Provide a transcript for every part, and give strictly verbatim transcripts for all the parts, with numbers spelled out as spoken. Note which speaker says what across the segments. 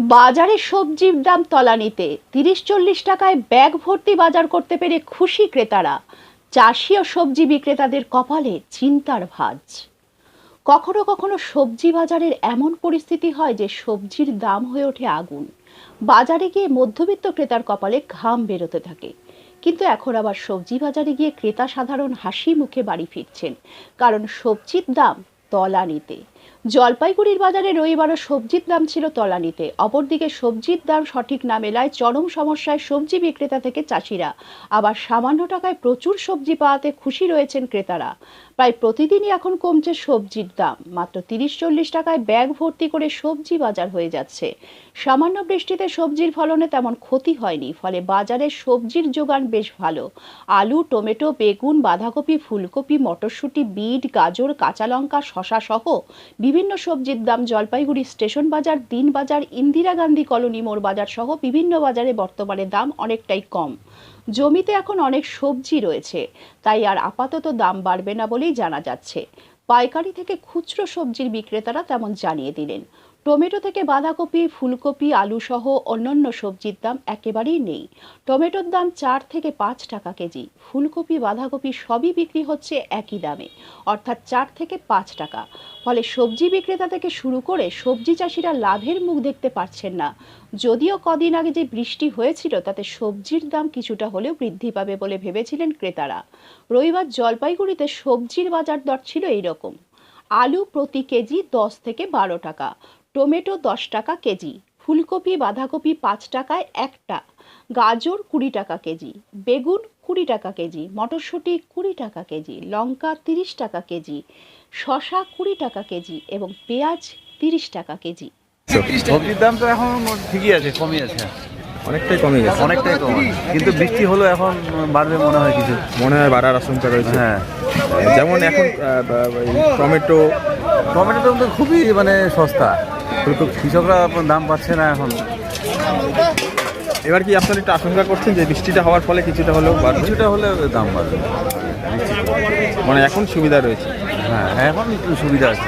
Speaker 1: বাজারে সবজির দাম তলানিতে, তিরিশ চল্লিশ টাকায় ব্যাগ ভর্তি বাজার করতে পেরে খুশি ক্রেতারা। চাষি ও সবজি বিক্রেতাদের কপালে চিন্তার ভাঁজ। কখনো কখনো সবজি বাজারের এমন পরিস্থিতি হয় যে সবজির দাম হয়ে ওঠে আগুন। বাজারে গিয়ে মধ্যবিত্ত ক্রেতার কপালে ঘাম বেরোতে থাকে। কিন্তু এখন আবার সবজি বাজারে গিয়ে ক্রেতা সাধারণ হাসি মুখে বাড়ি ফিরছেন, কারণ সবজির দাম তলানিতে। জলপাইগুড়ির বাজারে রবিবারও সবজির দাম ছিল তলানিতে। অপরদিকে সবজির দাম সঠিক না মেলায় চরম সমস্যায় সবজি বিক্রেতা থেকে চাষিরা। আবার সামান্য টাকায় প্রচুর সবজি পাওয়াতে খুশি রয়েছেন ক্রেতারা। প্রায় প্রতিদিনই এখন কমছে সবজির দাম। মাত্র তিরিশ চল্লিশ টাকায় ব্যাগ ভর্তি করে সবজি বাজার হয়ে যাচ্ছে। সামান্য বৃষ্টিতে সবজির ফলনে তেমন ক্ষতি হয়নি, ফলে বাজারে সবজির যোগান বেশ ভালো। আলু, টমেটো, বেগুন, বাঁধাকপি, ফুলকপি, মটরশুঁটি, বিট, গাজর, কাঁচা লঙ্কা, শশা সহ বিভিন্ন সবজির দাম জলপাইগুড়ি স্টেশন বাজার, দিন বাজার, ইন্দিরা গান্ধী কলোনি মোড় বাজার সহ বিভিন্ন বাজারে বর্তমানে দাম অনেকটাই কম। জমিতে এখন অনেক সবজি রয়েছে, তাই আর আপাতত দাম বাড়বে না বলেই জানা যাচ্ছে। পাইকারি থেকে খুচরো সবজির বিক্রেতারা তেমন জানিয়ে দিলেন। টমেটো থেকে বাঁধাকপি, ফুলকপি, আলু সহ অন্যান্য সবজির দাম একেবারেই নেই। টমেটোর দাম চার থেকে পাঁচ টাকা কেজি। ফুলকপি, বাঁধাকপি সবই বিক্রি হচ্ছে একই দামে, অর্থাৎ চার থেকে পাঁচ টাকা। ফলে সবজি বিক্রেতা থেকে শুরু করে সবজি চাষিরা লাভের মুখ দেখতে পারছেন না। যদিও কদিন আগে যে বৃষ্টি হয়েছিল তাতে সবজির দাম কিছুটা হলেও বৃদ্ধি পাবে বলে ভেবেছিলেন ক্রেতারা। রবিবার জলপাইগুড়িতে সবজির বাজার দর ছিল এইরকম: আলু প্রতি কেজি দশ থেকে বারো টাকা, টমেটো দশ টাকা কেজি, ফুলকপি বাঁধাকপি পাঁচ টাকায় একটা, গাজর কুড়ি টাকা কেজি, বেগুন কুড়ি টাকা কেজি, মটরশুঁটি কুড়ি টাকা কেজি, লঙ্কা তিরিশ টাকা কেজি, শশা কুড়ি টাকা কেজি এবং পেঁয়াজ তিরিশ টাকা কেজি।
Speaker 2: সবজির দাম তো এখন ঠিকই আছে, কমই আছে,
Speaker 3: অনেকটাই কমে গেছে,
Speaker 2: অনেকটাই কম। কিন্তু বৃষ্টি হলো এখন বাড়বে মনে হয়, কিছু
Speaker 3: মনে হয় বাড়ার আশঙ্কা রয়েছে।
Speaker 2: হ্যাঁ,
Speaker 3: যেমন এখন টমেটো
Speaker 2: টমেটো তো খুবই মানে সস্তা, কৃষকরা দাম পাচ্ছে না এখন।
Speaker 3: এবার কি আপনারা একটু আশঙ্কা করছেন যে বৃষ্টিটা হওয়ার ফলে কিছুটা হলেও বাড়বে?
Speaker 2: কিছুটা হলে দাম বাড়বে,
Speaker 3: মানে এখন সুবিধা রয়েছে।
Speaker 2: হ্যাঁ, এখন একটু সুবিধা আছে।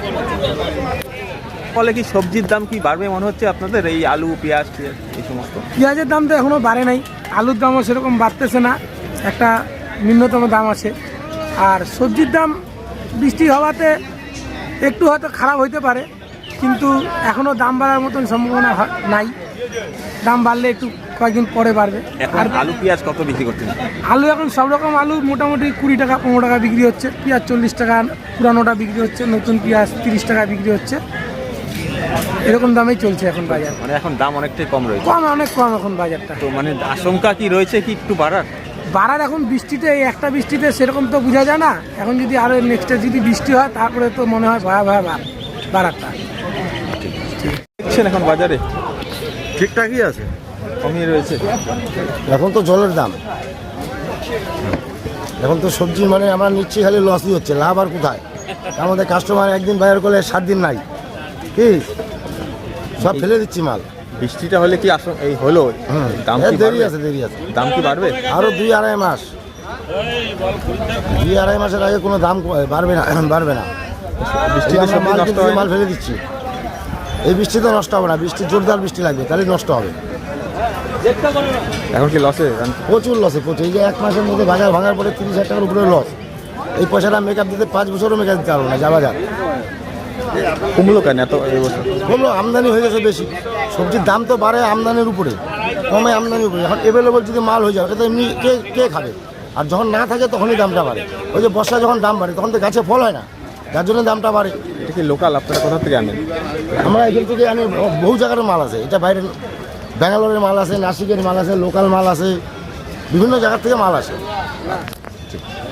Speaker 3: ফলে কি সবজির দাম কি বাড়বে মনে হচ্ছে আপনাদের? এই আলু, পেঁয়াজ, এই সমস্ত
Speaker 4: পেঁয়াজের দাম তো এখনও বাড়ে নাই, আলুর দামও সেরকম বাড়তেছে না, একটা ন্যূনতম দাম আছে। আর সবজির দাম বৃষ্টি হওয়াতে একটু হয়তো খারাপ হইতে পারে, কিন্তু এখনও দাম বাড়ার মতন সম্ভাবনা নাই। দাম বাড়লে একটু কয়েকদিন পরে বাড়বে।
Speaker 3: আর আলু, পেঁয়াজ কত বিক্রি করছেন?
Speaker 4: আলু এখন সব রকম আলু মোটামুটি কুড়ি টাকা পনেরো টাকা বিক্রি হচ্ছে, পেঁয়াজ চল্লিশ টাকা পুরানোটা বিক্রি হচ্ছে, নতুন পেঁয়াজ তিরিশ টাকা বিক্রি হচ্ছে। এরকম দামেই চলছে এখন বাজার।
Speaker 3: মানে এখন দাম অনেকটাই কম রয়েছে,
Speaker 4: কম, অনেক কম এখন বাজারটা।
Speaker 3: তো মানে আশঙ্কা কি রয়েছে কি একটু বাড়ার?
Speaker 4: বাড়ার এখন বৃষ্টিতে, এই একটা বৃষ্টিতে সেরকম তো বোঝা যায় না। এখন যদি আরো নেক্সটে যদি বৃষ্টি হয় তারপরে তো মনে হয় ভয়াবহ বাড়ারটা।
Speaker 3: দেখছেন এখন বাজারে
Speaker 2: ঠিকঠাকই আছে,
Speaker 3: কমই রয়েছে।
Speaker 5: এখন তো জলের দাম, এখন তো সবজি মানে আমরা নিচ্ছি খালি লসই হচ্ছে, লাভ আর কোথায়? আমাদের কাস্টমার একদিন বাজার করলে সাত দিন নাই, কি সব ফেলে দিচ্ছি মাল।
Speaker 3: বৃষ্টিটা হলে কি এই হলো দাম কি
Speaker 5: দেরি আছে, দেরি আছে,
Speaker 3: দাম কি বাড়বে?
Speaker 5: আরো দুই আড়াই মাস, দুই আড়াই মাসের আগে কোনো দাম বাড়বে না, বাড়বে না।
Speaker 3: বৃষ্টিতে সবজি
Speaker 5: মাল
Speaker 3: নষ্ট
Speaker 5: কিনছি,
Speaker 3: হয়,
Speaker 5: মাল ফেলে দিচ্ছি। এই বৃষ্টি তো নষ্ট হবে না, বৃষ্টি জোরদার বৃষ্টি লাগবে, তাহলে নষ্ট হবে।
Speaker 3: এখন কি লসে?
Speaker 5: প্রচুর লসে, প্রচুর। এই যে এক মাসের মধ্যে বাজার ভাঙার পরে তিরিশ হাজার টাকার উপরে লস। এই পয়সাটা মেকআপ দিতে পাঁচ বছরও মেকআপ দিতে পারবো না, যা বাজার
Speaker 3: কমলো কেন এত এই বছর?
Speaker 5: কমলো, আমদানি হয়ে গেছে বেশি। সবজির দাম তো বাড়ে আমদানির উপরে, কমে আমদানির উপরে। এখন অ্যাভেলেবল যদি মাল হয়ে যায় ওটা তো এমনি কে কে খাবে? আর যখন না থাকে তখনই দামটা বাড়ে। ওই যে বর্ষা যখন দাম বাড়ে তখন তো গাছে ফল হয় না, যার জন্য দামটা বাড়ে।
Speaker 3: এটা কি লোকাল? আপনারা কোথা থেকে আনেন?
Speaker 5: আমরা এখান থেকে আনি, বহু জায়গার মাল আছে। এটা বাইরের ব্যাঙ্গালোরের মাল আছে, নাসিকের মাল আছে, লোকাল মাল আছে, বিভিন্ন জায়গার থেকে মাল আসে।